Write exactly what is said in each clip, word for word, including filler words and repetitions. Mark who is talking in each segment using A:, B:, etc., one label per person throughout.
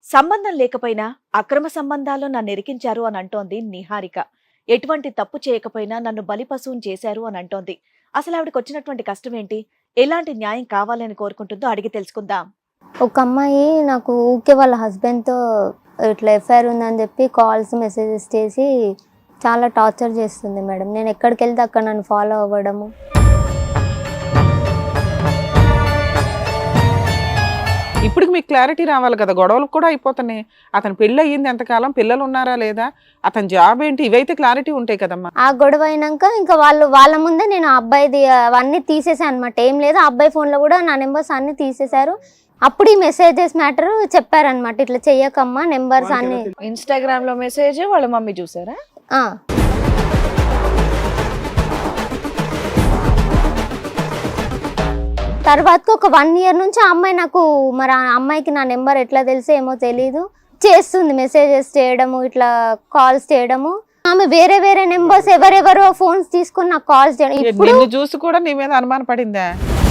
A: సంబంధం లేకపోయినా అక్రమ సంబంధాల్లో నన్ను ఇరికించారు అని అంటోంది నిహారిక. ఎటువంటి తప్పు చేయకపోయినా నన్ను బలిపశువుని చేశారు అని అంటోంది. అసలు ఆవిడకి వచ్చినటువంటి కష్టం ఏంటి? ఎలాంటి న్యాయం కావాలని కోరుకుంటుందో అడిగి తెలుసుకుందాం.
B: ఒక అమ్మాయి నాకు ఊకే వాళ్ళ హస్బెండ్తో ఇట్లా ఎఫ్ఐఆర్ ఉందని చెప్పి కాల్స్ మెసేజెస్ చేసి చాలా టార్చర్ చేస్తుంది మేడం. నేను ఎక్కడికి వెళ్తే అక్కడ నన్ను ఫాలో అవ్వడము.
C: ఇప్పుడు మీకు క్లారిటీ రావాలి కదా, గొడవలు కూడా అయిపోతున్నాయి. అతను పెళ్ళి అయ్యింది ఎంతకాలం, పిల్లలు ఉన్నారా లేదా, అతని జాబ్ ఏంటి, ఇవైతే క్లారిటీ ఉంటాయి కదమ్మా.
B: ఆ గొడవ అయినాక ఇంకా వాళ్ళు వాళ్ళ ముందే నేను ఆ అబ్బాయిది అవన్నీ తీసేసాను అనమాట. ఏం లేదు, ఆ అబ్బాయి ఫోన్లో కూడా నా నెంబర్స్ అన్ని తీసేశారు. అప్పుడు ఈ మెసేజెస్ మ్యాటర్ చెప్పారనమాట, ఇట్లా చెయ్యకమ్మా నెంబర్స్ అన్ని.
A: ఇన్స్టాగ్రామ్ లో మెసేజ్ వాళ్ళ మమ్మీ చూసారా?
B: ఆ తర్వాత ఒక వన్ ఇయర్ నుంచి ఆ అమ్మాయి నాకు, మరి ఆ అమ్మాయికి నా నెంబర్ ఎట్లా తెలిసో ఏమో తెలీదు, చేస్తుంది మెసేజెస్ చేయడము, ఇట్లా కాల్స్ చేయడము. ఆమె వేరే వేరే నెంబర్స్ ఎవరెవరో ఫోన్స్ తీసుకుని నాకు కాల్స్ చేయడం. ఇప్పుడు
C: నిన్ను చూసి కూడా నీ మీద అనుమానం పడిందా?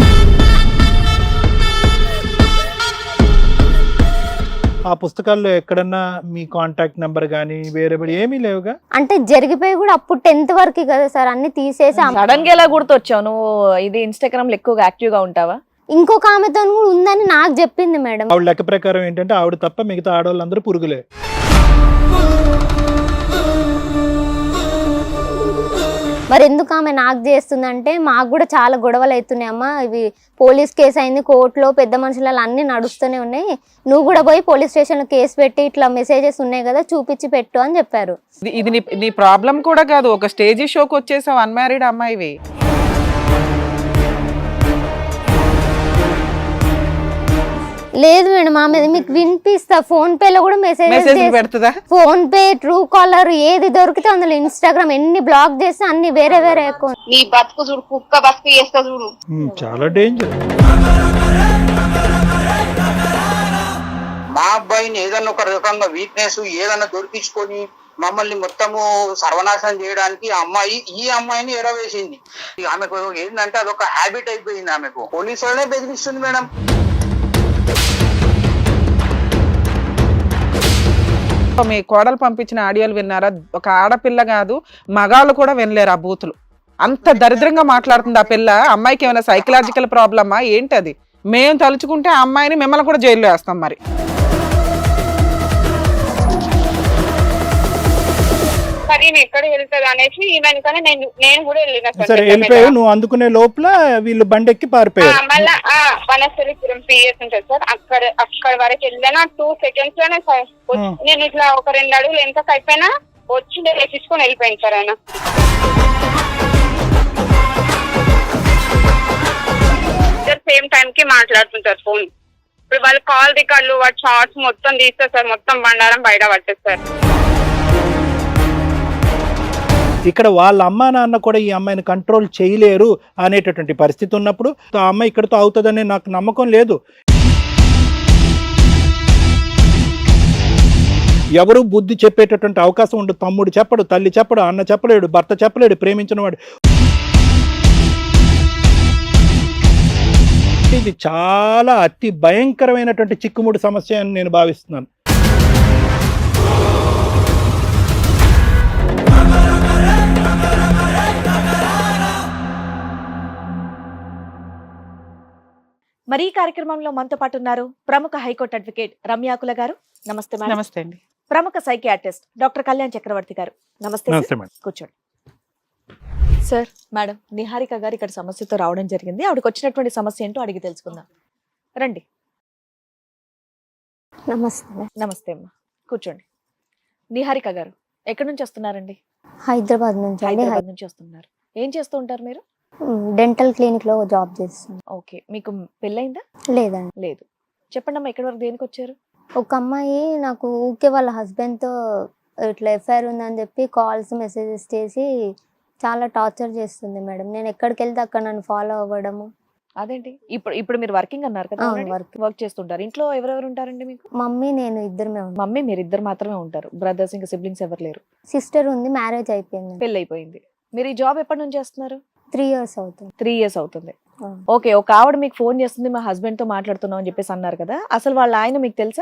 D: ఆ పుస్తకాల్లో ఎక్కడన్నా మీ కాంటాక్ట్ నెంబర్ కానీ వేరే ఏమీ లేవుగా?
B: అంటే జరిగిపోయి కూడా అప్పుడు టెన్త్ వరకు కదా సార్, అన్ని తీసేసి
A: సడన్ గా ఎలా గుర్తొచ్చావు నువ్వు? ఇది ఇన్స్టాగ్రామ్ లో ఎక్కువగా యాక్టివ్ గా ఉంటావా?
B: ఇంకొక ఆమెతో కూడా ఉందని నాకు చెప్పింది మేడం.
D: ఆవిడ లెక్క ప్రకారం ఏంటంటే ఆవిడ తప్ప మిగతా ఆడవాళ్ళందరూ పురుగులే.
B: మరి ఎందుకు ఆమె నాకు చేస్తుందంటే, మాకు కూడా చాలా గొడవలు అవుతున్నాయి అమ్మ, ఇవి పోలీస్ కేసు అయింది కోర్టులో, పెద్ద మనుషులలో అన్ని నడుస్తూనే ఉన్నాయి, నువ్వు కూడా పోయి పోలీస్ స్టేషన్లో కేసు పెట్టి ఇట్లా మెసేజెస్ ఉన్నాయి కదా చూపించి పెట్టు అని చెప్పారు.
C: ఇది- ఇది నీ నీ ప్రాబ్లం కూడా కాదు, ఒక స్టేజీ షోకి వచ్చేసావు అన్మ్యారీడ్ అమ్మాయివి.
B: లేదు మేడం, ఆమె మీకు వినిపిస్తా, ఫోన్ పేలో కూడా
C: మెసేజ్
B: మెసేజ్
C: పెడుతుందా?
B: ఫోన్ పే, ట్రూ కాలర్ ఏది దొరికితే అందులో, ఇన్స్టాగ్రామ్ ఎన్ని బ్లాక్ చేస్తే అన్ని వేరే వేరే అకౌంట్.
E: నీ బతుకు చూడు, కుక్క బతుకు చేస్తా చూడు.
D: ఉమ్, చాలా డేంజర్.
F: మా అబ్బాయిని ఏదన్నా ఒక రకంగా వీక్నెస్ ఏదన్నా దొరికించుకొని మమ్మల్ని మొత్తము సర్వనాశనం చేయడానికి ఆ అమ్మాయి ఈ అమ్మాయిని ఎరవేసింది. ఆమెకు ఏంటంటే అదొక హ్యాబిట్ అయిపోయింది. ఆమెకు పోలీసు వాళ్ళనే బెదిరిస్తుంది మేడం.
C: మీ కోడలు పంపించిన ఆడియోలు విన్నారా? ఒక ఆడపిల్ల కాదు, మగాళ్ళు కూడా వినలేరు ఆ బూతులు. అంత దరిద్రంగా మాట్లాడుతుంది ఆ పిల్ల. అమ్మాయికి ఏమైనా సైకలాజికల్ ప్రాబ్లమా ఏంటి? అది మేము తలుచుకుంటే ఆ అమ్మాయిని మిమ్మల్ని కూడా జైల్లో వేస్తాం. మరి
E: సరే ఎక్కడ వెళ్తుంది అనేసి ఈమెనుకనే నేను నేను కూడా వెళ్ళిన సార్.
D: సరే వెళ్ళిపోయావు, నువ్వు అందుకునే లోపల వీళ్ళు బండెక్కి పారిపోయారు.
E: మళ్ళా వనస్థలిపురం పిఎస్ ఉంటుంది సార్, అక్కడ అక్కడ వరకు వెళ్ళినా టూ సెకండ్స్ లోనే సార్ వచ్చి- నేను ఇట్లా ఒక రెండు అడుగులు ఎంత అయిపోయినా వచ్చి తీసుకొని వెళ్ళిపోయింది సార్ ఆయన. సేమ్ టైం కి మాట్లాడుతుంటారు ఫోన్. ఇప్పుడు వాళ్ళు కాల్ రికార్డులు వాటి షార్ట్స్ మొత్తం తీస్తారు సార్, మొత్తం బండారం బయట పట్టేస్తారు.
D: ఇక్కడ వాళ్ళ అమ్మా నాన్న కూడా ఈ అమ్మాయిని కంట్రోల్ చేయలేరు అనేటటువంటి పరిస్థితి ఉన్నప్పుడు ఆ అమ్మాయి ఇక్కడతో అవుతుందనే నాకు నమ్మకం లేదు. ఎవరు బుద్ధి చెప్పేటటువంటి అవకాశం ఉండదు. తమ్ముడు చెప్పడు, తల్లి చెప్పడు, అన్న చెప్పలేడు, భర్త చెప్పలేడు, ప్రేమించిన వాడు. ఇది చాలా అతి భయంకరమైనటువంటి చిక్కుముడి సమస్య అని నేను భావిస్తున్నాను.
A: మరి ఈ కార్యక్రమంలో మనతో పాటు ఉన్నారు ప్రముఖ హైకోర్టు అడ్వకేట్ రమ్యాకుల గారు. నమస్తే మేడం.
C: నమస్తే అండి.
A: ప్రముఖ సైకియాట్రిస్ట్ డాక్టర్ కళ్యాణ్ చక్రవర్తి గారు. నమస్తే సార్.
D: నమస్తే మేడం.
A: కూర్చోండి సార్. మేడం, నిహారిక గారు ఇక్కడ సమస్యతో రావడం జరిగింది. ఆవిడకి వచ్చినటువంటి సమస్య ఏంటో అడిగి తెలుసుకుందాం. రండి.
B: నమస్తే.
A: నమస్తే అమ్మా, కూర్చోండి. నిహారిక గారు ఎక్కడి నుంచి వస్తున్నారండి?
B: హైదరాబాద్ నుంచి అండి.
A: హైదరాబాద్ నుంచి వస్తున్నారు. ఏం చేస్తూ ఉంటారు మీరు?
B: డెంటల్ క్లినిక్ లో జాబ్ చేస్తాను.
A: ఓకే, మీకు పెళ్ళైందా?
B: లేదండి.
A: లేదు. చెప్పండి అమ్మా, ఎక్కడి వరకు దేనికి వచ్చారు?
B: ఒక అమ్మాయి నాకు ఊకే వాళ్ళ హస్బెండ్తో ఇట్లా ఎఫ్ఐఆర్ ఉందని చెప్పి కాల్స్ మెసేజెస్ చేసి చాలా టార్చర్ చేస్తుంది మేడం. నేను ఎక్కడికి వెళ్తే అక్కడ నన్ను ఫాలో అవ్వడము.
A: అదేంటి? ఇప్పుడు ఇప్పుడు మీరు వర్కింగ్ అన్నారు కదా,
B: అవును, work.
A: వర్క్ చేస్తుంటారు. ఇంట్లో ఎవరెవరు ఉంటారండి మీకు?
B: మమ్మీ నేను ఇద్దరమే ఉంటాం.
A: మమ్మీ మీరు ఇద్దరు మాత్రమే ఉంటారు, బ్రదర్స్ ఇంకా సిబ్లింగ్స్ ఎవరు లేరు?
B: సిస్టర్ ఉంది, మ్యారేజ్ అయిపోయింది.
A: పెళ్ళి అయిపోయింది. మీరు ఈ జాబ్ ఎప్పటి నుంచి చేస్తున్నారు?
B: త్రీ ఇయర్స్ అవుతుంది.
A: త్రీ ఇయర్స్ అవుతుంది. ఓకే, ఒక ఆవిడ మీకు ఫోన్ చేస్తుంది, మా హస్బెండ్ తో మాట్లాడుతున్నాం అని చెప్పేసి అన్నారు కదా, అసలు వాళ్ళ ఆయన మీకు తెలుసా?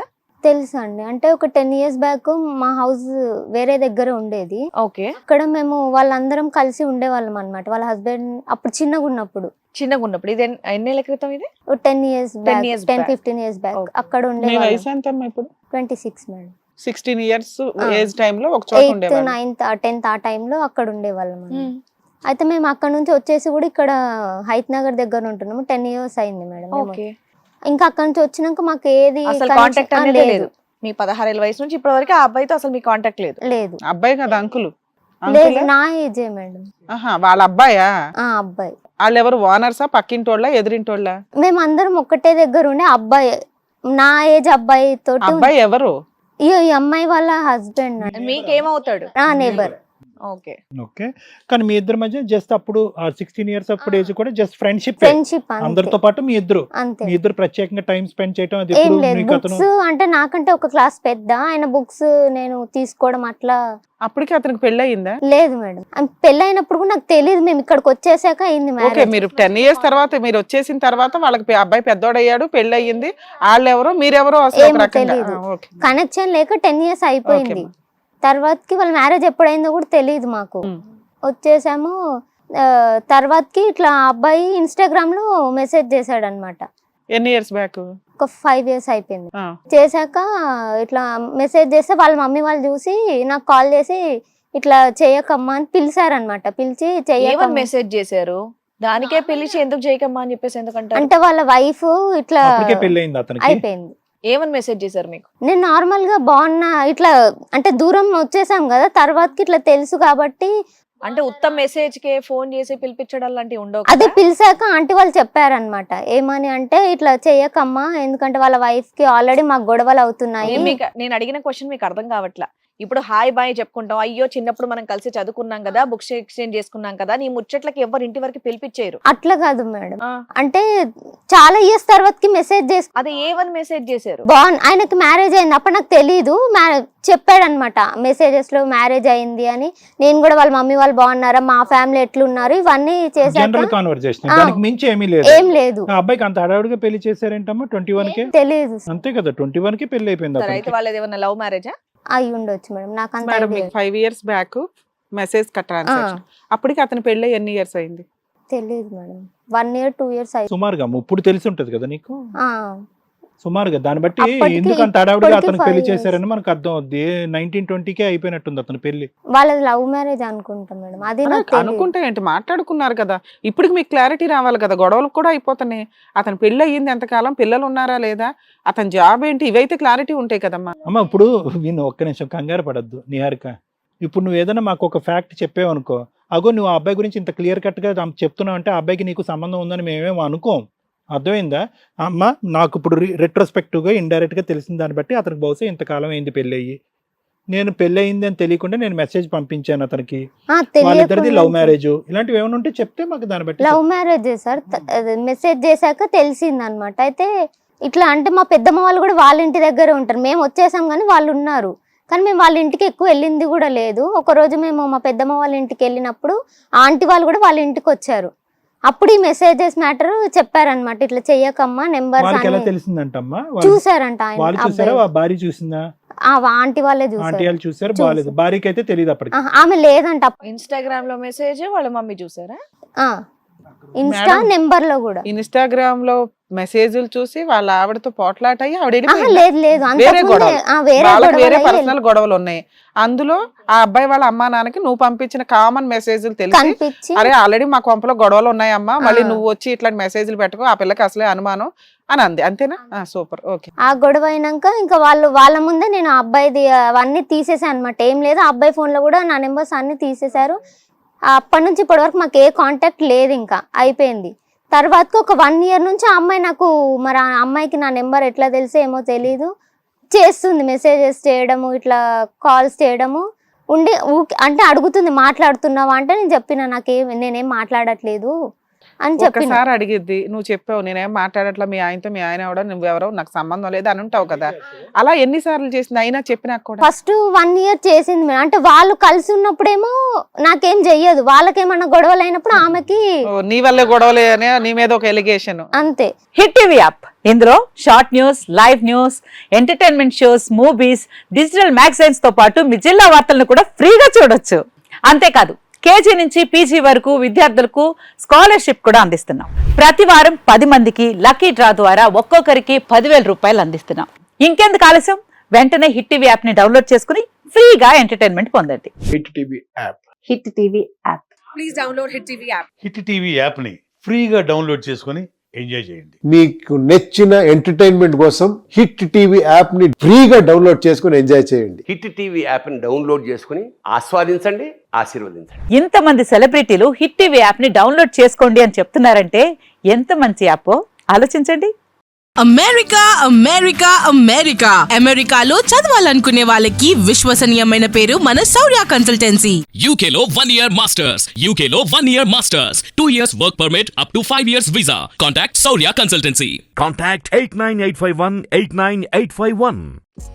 B: తెలుసు అండి. అంటే ఒక టెన్ ఇయర్స్ బ్యాక్ మా హౌస్ వేరే దగ్గర ఉండేది.
A: ఓకే.
B: అక్కడ మేము వాళ్ళందరం కలిసి ఉండేవాళ్ళం అన్నమాట. వాళ్ళ హస్బెండ్ అప్పుడు చిన్నగా ఉన్నప్పుడు,
A: చిన్నగా ఉన్నప్పుడు ఇది ఎన్- ఎన్నేళ్ల క్రితం ఇది?
B: Ten years back,
A: years
B: ten
A: back.
B: Fifteen years back
A: Okay.
B: అక్కడ
C: మీ
B: ఉండేవాళ్ళం.
C: వయసు ఎంత అమ్మా ఇప్పుడు?
B: Twenty six madam.
C: Sixteen years
B: ఆ.
C: ఏజ్ టైమ్ లో ఒక చోట
B: ఎయిత్
C: ఉండేవాళ్ళు.
B: నైన్త్ టెన్త్ ఆ టైంలో అక్కడ ఉండేవాళ్ళం అన్నమాట. అయితే మేము అక్కడ నుంచి వచ్చేసి కూడా ఇక్కడ హైత్ నగర్ దగ్గర ఉంటున్నాము. టెన్ ఇయర్స్ అయింది మేడం మేము.
A: ఓకే.
B: ఇంకా అక్కడ నుంచి వచ్చినాక మాకు ఏది
A: అసలు
B: connection-
A: కాంటాక్ట్
B: ఆ,
A: అనేది లేదు.
B: లేదు
A: మీ పదహారేళ్ళ వయసు నుంచి ఇప్పటి వరకు ఆ అబ్బాయితో అసలు మీ కాంటాక్ట్ లేదు.
B: లేదు
C: అబ్బాయి కదా అంకులు?
B: లేదు
C: అంకులే?
B: నా ఏజే మేడం.
C: ఆహా, వాళ్ళ అబ్బాయా?
B: ఆ అబ్బాయి.
C: వాళ్ళు ఎవరు, ఓనర్సా, పక్కింటోళ్ళ, ఎదురింటోళ్ళ?
B: మేము అందరం ఒక్కటే దగ్గర ఉండే అబ్బాయి, నా ఏజ్ అబ్బాయి తోటి.
C: అబ్బాయి ఎవరు?
B: ఈ ఈ అమ్మాయి వాళ్ళ హస్బెండ్,
A: మీకేమవుతాడు?
B: నా నేబర్.
A: ఓకే.
D: ఓకే. కానీ మీ ఇద్దరి మధ్య జస్ట్ అప్పుడు సిక్స్టీన్ ఇయర్స్ అప్పుడు ఏజ్ కూడా జస్ట్ ఫ్రెండ్షిప్
B: ఫ్రెండ్షిప్
D: అందరితో పాటు మీ ఇద్దరు
B: అంతే.
D: మీ ఇద్దరు ప్రత్యేకంగా టైం స్పెండ్ చేయటం అది
B: ఏం
D: ఎప్పుడు
B: లేదు.
D: నీకు అతను
B: బుక్స్ అంటే నాకంటే ఒక క్లాస్ పెద్ద, ఆయన బుక్స్ నేను తీసుకోవడం అట్లా
C: అప్పటికి అతనికి పెళ్లి అయిందా?
B: లేదు మేడం. ఆమె పెళ్ళైనప్పుడు కూడా నాకు తెలియదు, మేము ఇక్కడికి వచ్చేసాక అయింది
C: ఓకే,
B: మ్యారేజ్.
C: మీరు టెన్ ఇయర్స్ తర్వాత మీరు వచ్చేసిన తర్వాత వాళ్ళకి పె- అబ్బాయి పెద్దోడయ్యాడు, పెళ్లి అయ్యింది. వాళ్ళు ఎవరో మీరెవరో అసలు ఒక
B: ఏమో
C: రకంగా.
B: తెలీదు.
C: ఆ, ఓకే.
B: కనెక్షన్ లేక టెన్ ఇయర్స్ అయిపోయింది.
C: ఓకే.
B: తర్వాతకి వాళ్ళ మ్యారేజ్ ఎప్పుడైందో కూడా తెలియదు మాకు.
C: ఉమ్.
B: వచ్చేసాము. ఆ, తర్వాతకి ఇట్లా ఆ అబ్బాయి ఇన్స్టాగ్రామ్ లో మెసేజ్ చేశాడు అనమాట.
C: ఎన్ని ఇయర్స్ బ్యాక్?
B: ఒక ఫైవ్ ఇయర్స్ అయిపోయింది. చేశాక ఇట్లా మెసేజ్ చేస్తే వాళ్ళ మమ్మీ వాళ్ళు చూసి నాకు కాల్ చేసి ఇట్లా చేయకమ్మా అని పిలిచారనమాట. పిలిచి
A: ఏమని
B: చెయ్యకమ్మా
A: మెసేజ్ చేశారు? దానికే పిలిచి ఎందుకు చేయకమ్మా అని చెప్పేసి ఎందుకంటే
B: అంటే వాళ్ళ వైఫ్ ఇట్లా
D: అప్పటికే పెళ్లి అయింది అతనికి.
B: అయిపోయింది.
A: ఏమని మెసేజ్ చేశారు మీకు?
B: నేను నార్మల్ గా బాగున్నా, ఇట్లా అంటే దూరం వచ్చేసాం కదా, తర్వాతకి ఇట్లా తెలుసు కాబట్టి
A: అంటే ఉత్తమ మెసేజ్ కే ఫోన్ చేసి పిలిపించడం లాంటివి ఉండవు
B: అదే
A: కదా?
B: పిలిచాక ఆంటీ వాళ్ళు చెప్పారనమాట. ఏమని అంటే ఇట్లా చెయ్యకమ్మా, ఎందుకంటే వాళ్ళ వైఫ్ కి ఆల్రెడీ మాకు గొడవలు అవుతున్నాయి.
A: నేను మీకు నేను అడిగిన క్వశ్చన్ మీకు అర్థం కావట్లా. ఇప్పుడు హాయ్ బాయ్ చెప్పుకుంటాం, అయ్యో చిన్నప్పుడు మనం కలిసి చదువుకున్నాం కదా, బుక్స్ ఎక్స్చేంజ్ చేసుకున్నాం కదా, నీ ముచ్చట్లకి ఎవరు ఇంటి వరకు పిలిపించారు.
B: అట్లా కాదు మేడం.
A: ఆ,
B: అంటే చాలా ఇయర్స్ తర్వాతకి మెసేజ్ చేసి
A: అది ఏమని మెసేజ్ చేశారు?
B: బాగుంది, ఆయనకి మ్యారేజ్ అయింది. అప్పుడు నాకు తెలీదు, చెప్పాడనమాట మెసేజెస్ లో మ్యారేజ్ అయింది అని. నేను కూడా వాళ్ళ మమ్మీ వాళ్ళు బాగున్నారా, మా ఫ్యామిలీ ఎట్లున్నారు, ఇవన్నీ చేశాక
D: జనరల్ కాన్వర్సేషన్,
B: ఆ.
D: దానికి మించి ఏమీ లేదు.
B: ఏం లేదు.
D: ఆ అబ్బాయికి అంత హడావుడిగా పెళ్లి చేశారేంటమ్మా? ట్వంటీ వన్ కే
B: తెలీదు.
D: అంతే కదా, ట్వంటీ వన్ కి పెళ్లి అయిపోయింది
A: సరే, అయితే
D: అతనికి.
A: వాళ్ళది ఏమన్నా లవ్ మ్యారేజా?
B: అయి ఉండొచ్చు మేడం, నాకు అంత
C: మేడం
B: idea
C: మీకు five years back message transaction, అప్పటికి అతని పెళ్లి ఎన్ని ఇయర్స్ అయింది?
B: తెలీదు madam. One year two years అయి
D: సుమారుగా ఇప్పుడు తెలిసి ఉంటది కదా నీకు,
B: ఆ,
D: సుమారుగా దాన్ని బట్టి
B: అప్పటికి
D: ఎందుకు అంత హడావుడిగా
B: ఇప్పటికి
D: అతనికి పెళ్లి
B: five years.
D: చేశారని మనకు అర్థం అవుద్ది. నైన్టీన్ ట్వంటీకే అయిపోయినట్టుంది అతని పెళ్లి.
B: వాళ్ళది లవ్ మ్యారేజ్ అనుకుంటా మేడం, అది నాకు తెలీదు.
C: అనుకుంటే ఏంటి, మాట్లాడుకున్నారు కదా. ఇప్పటికి మీకు క్లారిటీ రావాలి కదా, గొడవలు కూడా అయిపోతున్నాయి. అతని పెళ్లి అయ్యింది ఎంతకాలం, పిల్లలు ఉన్నారా లేదా, అతని జాబ్ ఏంటి, ఇవైతే క్లారిటీ ఉంటాయి కదమ్మా.
D: అమ్మ ఇప్పుడు విను, ఒక్క నిమిషం కంగారు పడద్దు నిహారిక. ఇప్పుడు నువ్వు ఏదైనా మాకు ఒక ఫ్యాక్ట్ చెప్పావనుకో, అగో నువ్వు ఆ అబ్బాయి గురించి ఇంత క్లియర్ కట్ గా చెప్తున్నావు అంటే ఆ అబ్బాయికి నీకు సంబంధం ఉందని మేమేమో అనుకోం. అర్థమైందా అమ్మ? నాకు ఇప్పుడు రెట్రోస్పెక్టివ్ గా ఇండైరెక్ట్ గా తెలిసిన దాన్ని బట్టి అతనికి బహుశా ఇంతకాలం అయింది పెళ్లి అయ్యి. నేను పెళ్లి అయింది అని తెలియకుండా నేను మెసేజ్ పంపించాను అతనికి.
B: ఆ,
D: వాళ్ళిద్దరిది లవ్
B: తెలియకుండా
D: మ్యారేజ్, ఇలాంటివి ఏమైనా ఉంటే చెప్తే మాకు దాన్ని బట్టి
B: లవ్ మ్యారేజ్ సార్. మెసేజ్ చేశాక తెలిసింది అనమాట. అయితే ఇట్లా అంటే మా పెద్దమ్మ వాళ్ళు కూడా వాళ్ళ ఇంటి దగ్గర ఉంటారు, మేము వచ్చేసాం కానీ వాళ్ళు ఉన్నారు. కానీ మేము వాళ్ళ ఇంటికి ఎక్కువ వెళ్ళింది కూడా లేదు. ఒక రోజు మేము మా పెద్దమ్మ వాళ్ళ ఇంటికి వెళ్ళినప్పుడు ఆంటీ వాళ్ళు కూడా వాళ్ళ ఇంటికి వచ్చారు. అప్పుడు ఈ మెసేజెస్ మ్యాటర్ చెప్పారనమాట, ఇట్లా చెయ్యకమ్మా నెంబర్స్
D: వాళ్ళకి ఎలా
B: అని.
D: తెలిసిందంటమ్మా?
B: చూసారంట ఆయన
D: వాళ్ళు చూసారా,
B: అబ్బాయి.
D: ఆ భార్య చూసిందా?
B: ఆ, ఆంటీ వాళ్ళే
D: ఆంటీ
B: చూసారు.
D: వాళ్ళు చూసారు,
B: చూసారు.
D: బాగాలేదు. భార్యకి అయితే తెలియదు అప్పటికి.
B: ఆహా, ఆమె లేదంట.
A: ఇన్స్టాగ్రామ్ లో మెసేజ్ వాళ్ళ మమ్మీ చూసారా?
B: ఆ, ఇన్స్టా
C: మేడం,
B: నెంబర్ లో కూడా.
C: ఇన్స్టాగ్రామ్ లో మెసేజ్లు చూసి వాళ్ళ ఆవిడతో పోట్లాట అయ్యి ఆవిడ
B: ఆహా,
C: వెళ్ళిపోయిందా?
B: లేదు లేదు,
C: వేరే
B: అంతకుముందే
C: గొడవలు.
B: ఆ, వేరే
C: వాళ్ళకి వేరే
B: గొడవలు
C: పర్సనల్ గొడవలు ఉన్నాయి. అందులో ఆ అబ్బాయి వాళ్ళ అమ్మా నాన్నకి నువ్వు పంపించిన కామన్ మెసేజ్లు తెలిసి,
B: కనిపించి
C: అరే ఆల్రెడీ మా కొంపలో గొడవలు ఉన్నాయమ్మా, మళ్ళీ
B: ఆ.
C: నువ్వు వచ్చి ఇట్లాంటి మెసేజ్లు పెట్టుకో, ఆ పిల్లకి అసలే అనుమానం అని అంది. అంతేనా? Super, okay.
B: ఆ గొడవ అయినాక ఇంకా వాళ్ళు వాళ్ళ ముందే నేను ఆ అబ్బాయిది అవన్నీ తీసేసాను అనమాట. ఏం లేదు, ఆ అబ్బాయి ఫోన్ లో కూడా నా నెంబర్స్ అన్ని తీసేశారు. అప్పటి నుంచి ఇప్పటి వరకు మాకు ఏ కాంటాక్ట్ లేదు, ఇంకా అయిపోయింది. తర్వాతకి ఒక వన్ ఇయర్ నుంచి ఆ అమ్మాయి నాకు, మరి ఆ అమ్మాయికి నా నెంబర్ ఎట్లా తెలిసే ఏమో తెలీదు, చేస్తుంది మెసేజెస్ చేయడము, ఇట్లా కాల్స్ చేయడము ఉండి ఊకి అంటే అడుగుతుంది మాట్లాడుతున్నావా అంటే నేను చెప్పిన నాకేం నేనేం మాట్లాడట్లేదు అని చెప్పిన.
C: ఒక్కసారి అడిగిద్ది, నువ్వు చెప్పావు నేనేం మాట్లాడట్లా, మీ ఆయనతో మీ ఆయన ఎవడో నువ్వెవరో నాకు సంబంధం లేదు అని ఉంటావు కదా. అలా ఎన్నిసార్లు చేసింది అయినా చెప్పినా కూడా?
B: ఫస్ట్ వన్ ఇయర్ చేసింది మేడం. అంటే వాళ్ళు కలిసి ఉన్నప్పుడేమో నాకేం చెయ్యదు, వాళ్ళకేమన్నా గొడవలు అయినప్పుడు ఆమెకి
C: ఓ, నీ వల్లే గొడవలే అని నీ మీద ఒక ఎలిగేషన్.
B: అంతే.
G: హిట్ టీవీ యాప్, ఇందులో short news, live news, entertainment shows, movies, digital magazines తో పాటు మీ జిల్లా వార్తలను కూడా ఫ్రీగా చూడొచ్చు. అంతేకాదు కేజీ నుంచి పీజీ వరకు విద్యార్థులకు స్కాలర్షిప్ కూడా అందిస్తున్నాం. ప్రతి వారం పది మందికి లక్కీ డ్రా ద్వారా ఒక్కొక్కరికి పదివేల రూపాయలు అందిస్తున్నాం. ఇంకెందుకు ఆలస్యం, వెంటనే హిట్ టీవీ యాప్ ని డౌన్లోడ్ చేసుకుని ఫ్రీగా ఎంటర్టైన్మెంట్ పొందండి.
H: Hit TV app
G: Hit TV app.
H: Hit TV app ని ఫ్రీగా డౌన్లోడ్ చేసుకొని ఎంజాయ్ చేయండి.
I: మీకు నచ్చిన ఎంటర్టైన్మెంట్ కోసం హిట్ టీవీ యాప్ ని ఫ్రీగా డౌన్లోడ్ చేసుకుని ఎంజాయ్ చేయండి.
J: హిట్ టీవీ యాప్ని డౌన్లోడ్ చేసుకుని ఆస్వాదించండి, ఆశీర్వదించండి.
G: ఇంతమంది సెలబ్రిటీలు హిట్ టీవీ యాప్ ని డౌన్లోడ్ చేసుకోండి అని చెప్తున్నారంటే ఎంత మంచి యాప్ ఆలోచించండి.
K: అమెరికా అమెరికా అమెరికా అమెరికాలో చదవాలనుకునే వాళ్ళకి విశ్వసనీయమైన పేరు మన శౌర్య కన్సల్టెన్సీ.
L: యూకేలో వన్ ఇయర్ మాస్టర్స్, యూకేలో one year masters, two years work permit up to five years visa. Contact Shaurya consultancy.
M: Contact eight nine eight five one eight nine eight five one.